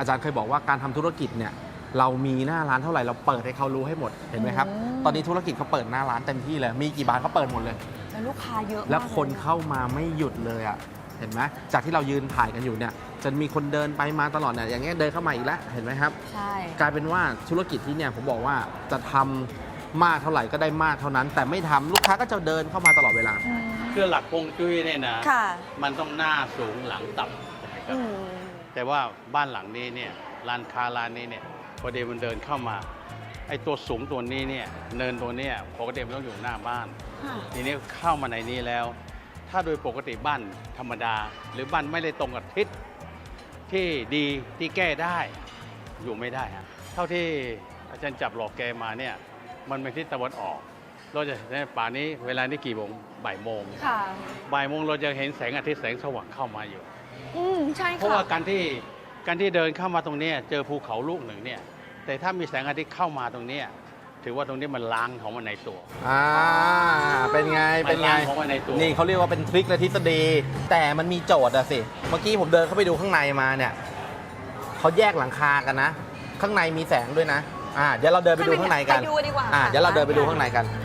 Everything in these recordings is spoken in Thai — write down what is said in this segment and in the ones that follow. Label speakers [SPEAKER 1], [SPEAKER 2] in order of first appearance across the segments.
[SPEAKER 1] อาจารย์เคยบอกว่าการทำธุรกิจเนี่ยเรามีหน้าร้านเท่าไหร่เราเปิดให้เขารู้ให้หมดเห็นไหมครับตอนนี้ธุรกิจเขาเปิดหน้าร้านเต็มที่เลยมีกี่บานเขาเปิดหมดเลย
[SPEAKER 2] แล้วลูกค้าเยอะมาก
[SPEAKER 1] แล้วคนเข้ามาไม่หยุดเลยอ่ะเห็นไหมจากที่เรายืนถ่ายกันอยู่เนี่ยจะมีคนเดินไปมาตลอดเนี่ยอย่างเงี้ยเดินเข้ามาอีกแล้วเห็นไหมครับ
[SPEAKER 2] ใช่
[SPEAKER 1] กลายเป็นว่าธุรกิจที่เนี่ยผมบอกว่าจะทำมากเท่าไหร่ก็ได้มากเท่านั้น แต่ไม่ทำลูกค้าก็จะเดินเข้ามาตลอดเวลา
[SPEAKER 3] คือหลักฮวงจุ้ยเนี่ยนะ
[SPEAKER 2] ค่ะ
[SPEAKER 3] มันต้องหน้าสูงหลังต่ำใช่ไหมครับแต่ว่าบ้านหลังนี้เนี่ยร้านค้าร้านนี้เนี่ยพอดีมันเดินเข้ามาไอ้ตัวสูงตัวนี้เนี่ยเนินตัวเนี้ยปกติมันต้องอยู่หน้าบ้านทีนี้เข้ามาในนี้แล้ว ถ้าโดยปกติบ้านธรรมดา หรือบ้านไม่ได้ตรงกับทิศที่ดีที่แก้ได้อยู่ไม่ได้ฮะเท่าที่อาจารย์จับหลอกแกมาเนี่ยมันเป็นทิศตะวันออกเราจะในป่านี้เวลานี้กี่โมงบ่ายโมงบ่ายโมงเราจะเห็นแสงอาทิตย์แสงสว่างเข้ามาอยู่
[SPEAKER 2] ใช่ค่ะ
[SPEAKER 3] เพราะว่าการที่เดินเข้ามาตรงนี้เจอภูเขาลูกหนึ่งเนี่ยแต่ถ้ามีแสงอาทิตย์เข้ามาตรงนี้ถือว่าตรงนี้มันล้างของมันในตัว
[SPEAKER 1] เป็นไง
[SPEAKER 3] ของมันในตัว
[SPEAKER 1] นี่เขาเรียกว่าเป็นทริคและทฤษฎีแต่มันมีโจทย์อะสิเมื่อกี้ผมเดินเข้าไปดูข้างในมาเนี่ยเขาแยกหลังคากันนะข้างในมีแสงด้วยนะเดี๋ยวเราเดินไปดูข้างในกัน
[SPEAKER 2] ไปดูดีกว่า
[SPEAKER 1] เดี๋ยวเราเดินไปดูข้างในกัน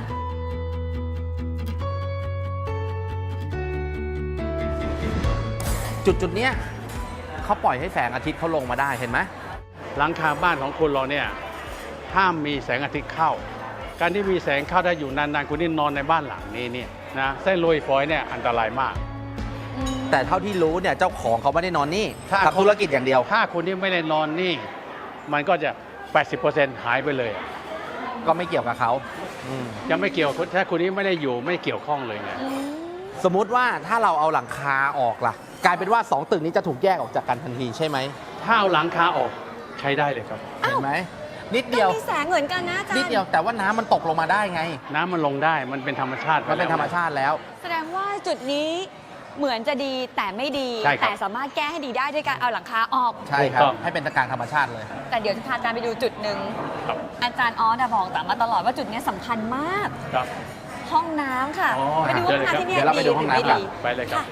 [SPEAKER 1] จุดเนี้ยเขาปล่อยให้แสงอาทิตย์เขาลงมาได้เห็นไหม
[SPEAKER 3] หลังคาบ้านของคุณเราเนี่ยห้ามมีแสงอาทิตย์เข้าการที่มีแสงเข้าได้อยู่นานๆคุณนี่นอนในบ้านหลังนี้เนี่ยนะเส้นโรยฝอยเนี่ยอันตรายมาก
[SPEAKER 1] แต่เท่าที่รู้เนี่ยเจ้าของเขาไม่ได้นอนนี่ทำธุรกิจอย่างเดียว
[SPEAKER 3] ถ้าคุณที่ไม่ได้นอนนี่มันก็จะ 80% หายไปเลย
[SPEAKER 1] ก็ไม่เกี่ยวกับเขา
[SPEAKER 3] จะไม่เกี่ยวถ้าคุณนี้ไม่ได้อยู่ไม่เกี่ยวข้องเลยไง
[SPEAKER 1] สมมุติว่าถ้าเราเอาหลังคาออกล่ะกลายเป็นว่า2ตึกนี้จะถูกแยกออกจากกันทันทีใช่ไหม
[SPEAKER 3] ถ้าเอาหลังคาออกใช้ได้เลยครับ
[SPEAKER 1] เห็นไหมนิดเดียว
[SPEAKER 2] มีแสงเหมือนกันนะอาจารย์
[SPEAKER 1] นิดเดียวแต่ว่าน้ำมันตกลงมาได้ไง
[SPEAKER 3] น้ำมันลงได้มันเป็นธรรมชาติ
[SPEAKER 1] มันเป็นธรรมชาติแล้ว
[SPEAKER 2] แสดงว่าจุดนี้เหมือนจะดีแต่ไม่ดีแต่สามารถแก้ให้ดีได้ด้วยการเอาหลังคาออก
[SPEAKER 1] ใช่ครับให้เป็นตะการธรรมชาติเลย
[SPEAKER 2] แต่เดี๋ยวจะพาอาจารย์ไปดูจุดหนึ่งอาจารย์ออสบอกแต่มาตลอดว่าจุดนี้สำคัญมากห้องน้ำค่ะไปดูห้องน้ำที่นี่ดีหรือไม่ดี
[SPEAKER 3] ไปเลยครับ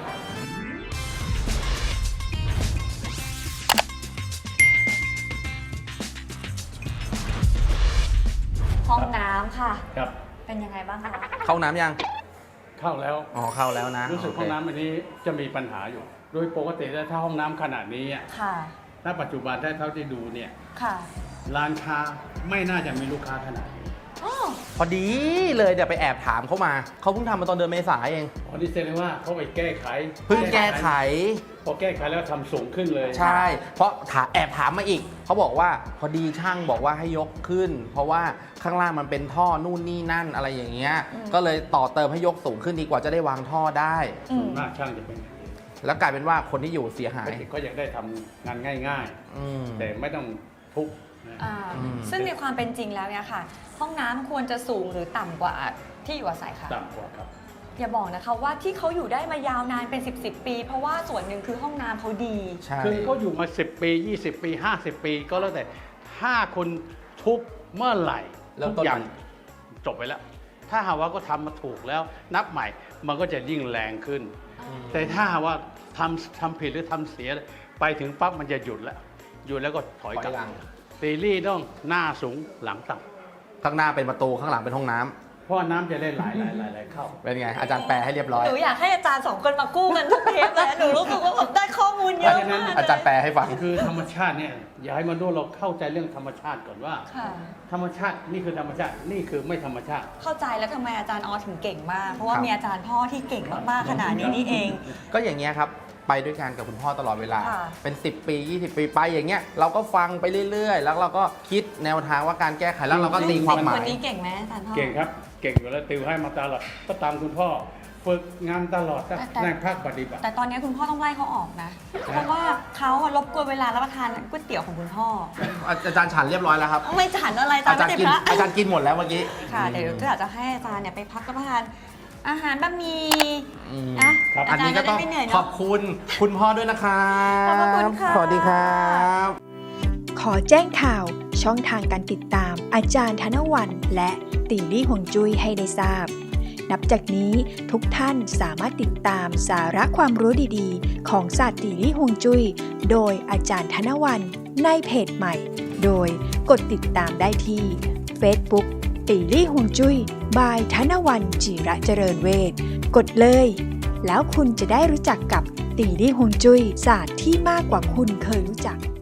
[SPEAKER 2] ห้องน้ำค่ะ
[SPEAKER 3] ครับ
[SPEAKER 2] เป็นยังไงบ้างคะ
[SPEAKER 1] เข้าน้ำยัง
[SPEAKER 3] เข้าแล้ว
[SPEAKER 1] เข้าแล้วนะ
[SPEAKER 3] รู้สึกห้องน้ำอันนี้จะมีปัญหาอยู่โดยปกติแล้วถ้าห้องน้ำขนาดนี้ณปัจจุบันถ้าเท่าที่ดูเนี่ยร้านค้าไม่น่าจะมีลูกค้าขนาดนี้
[SPEAKER 1] พอดีเลยเดี๋ยวไปแอบถามเขามาเขาเพิ่งทำมาตอนเดือนเมษายนเอง
[SPEAKER 3] อ๋อนี่แสดงว่าเขาไปแก้ไข
[SPEAKER 1] เพิ่งแก้ไข
[SPEAKER 3] พอแก้ไขแล้วทำสูงขึ้นเลย
[SPEAKER 1] ใช่เพราะแอบถามมาอีกเขาบอกว่าพอดีช่างบอกว่าให้ยกขึ้นเพราะว่าข้างล่างมันเป็นท่อนู่นนี่นั่นอะไรอย่างเงี้ยก็เลยต่อเติมให้ยกสูงขึ้นดีกว่าจะได้วางท่อได้
[SPEAKER 3] หน้าช่างจะเป็น
[SPEAKER 1] แล้วกลายเป็นว่าคนที่อยู่เสียหาย
[SPEAKER 3] ก็อยากได้ทำงานง่ายๆแต่ไม่ต้องทุกข์
[SPEAKER 2] ซึ่งในความเป็นจริงแล้วเนี่ยค่ะห้องน้ำควรจะสูงหรือต่ำกว่าที่อยู่อาศัยคะ
[SPEAKER 3] ต่ำกว่าครับ
[SPEAKER 2] อย่าบอกนะคะว่าที่เขาอยู่ได้มายาวนานเป็น10 ปีเพราะว่าส่วนหนึ่งคือห้องน้ำเขาดี
[SPEAKER 3] คือเขาอยู่มา10 ปี20 ปี50 ปีก็แล้วแต่ถ้าคุณทุบเมื่อไหร่ทุกอย่างจบไปแล้วถ้าหากว่าก็ทำมาถูกแล้วนับใหม่มันก็จะยิ่งแรงขึ้นแต่ถ้าหากว่าทำผิดหรือทำเสียไปถึงปั๊บมันจะหยุดแล้วก็ถอยกลับซีรีส์ต้องหน้าสูงหลังต่
[SPEAKER 1] ำข้างหน้าเป็นประตูข้างหลังเป็นห้องน้ำ
[SPEAKER 3] เพราะน้ำจะได้ไหลเข้า
[SPEAKER 1] เป็นไงอาจารย์แปลให้เรียบร้อย
[SPEAKER 2] หนูอยากให้อาจารย์2คนมากู้กันทุกเทปเลยหนูรู้สึกว่าผมได้ข้อมูลเยอะมาก
[SPEAKER 1] อาจารย์แปลให้ฟัง
[SPEAKER 3] คือธรรมชาติเนี่ยอย่าให้มันดูเราเข้าใจเรื่องธรรมชาติก่อนว่าธรรมชาตินี่คือธรรมชาตินี่คือไม่ธรรมชาติ
[SPEAKER 2] เข้าใจแล้วทำไมอาจารย์ออสถึงเก่งมากเพราะว่ามีอาจารย์พ่อที่เก่งมากๆขนาดนี้นี่เอง
[SPEAKER 1] ก็อย่างเงี้ยครับไปด้วยกันกับคุณพ่อตลอดเวลาเป็น10 ปี20 ปีไปอย่างเงี้ยเราก็ฟังไปเรื่อยๆแล้วเราก็คิดแนวทางว่าการแก้ไขแล้วเราก็ตีความหมาย
[SPEAKER 2] คนนี้เก่งไหมอาจารย์พ่อ
[SPEAKER 3] เก่งครับเก่งอยู่แล้วติวให้มาตลอดก็ตามคุณพ่อฝึกงานตลอดในภาคปฏิบัติ
[SPEAKER 2] แต่ตอนนี้คุณพ่อต้องไล่เขาออกนะเพราะว่าเขารบกวนเวลารับประทานก๋วยเตี๋ยวของคุณพ่อ
[SPEAKER 1] อาจารย์ฉันเรียบร้อยแล้วครับ
[SPEAKER 2] ไม่ฉันอะไรอาจารย์ไม่ได้พระ
[SPEAKER 1] อาจารย์กินหมดแล้วเมื่อกี้
[SPEAKER 2] ค่ะเดี๋ยวอยากจะให้อาจารย์เนี่ยไปพักรับประทานอาหารบะหมี่
[SPEAKER 1] อันนี้ก็ต้องขอบคุณคุณพ่อด้วยนะครับ
[SPEAKER 2] ขอบคุณค่ะ
[SPEAKER 1] สวัสดีครับ
[SPEAKER 4] ขอแจ้งข่าวช่องทางการติดตามอาจารย์ธนวรรณและตีลี่ห่วงจุ้ยให้ได้ทราบนับจากนี้ทุกท่านสามารถติดตามสาระความรู้ดีๆ ของศาสตร์ตีลี่ฮวงจุ้ยโดยอาจารย์ธนวรรณในเพจใหม่โดยกดติดตามได้ที่ Facebook ตีลี่ฮวงจุ้ย by ธนวรรณจิระเจริญเวชกดเลยแล้วคุณจะได้รู้จักกับตีลี่ฮวงจุ้ยศาสตร์ที่มากกว่าคุณเคยรู้จัก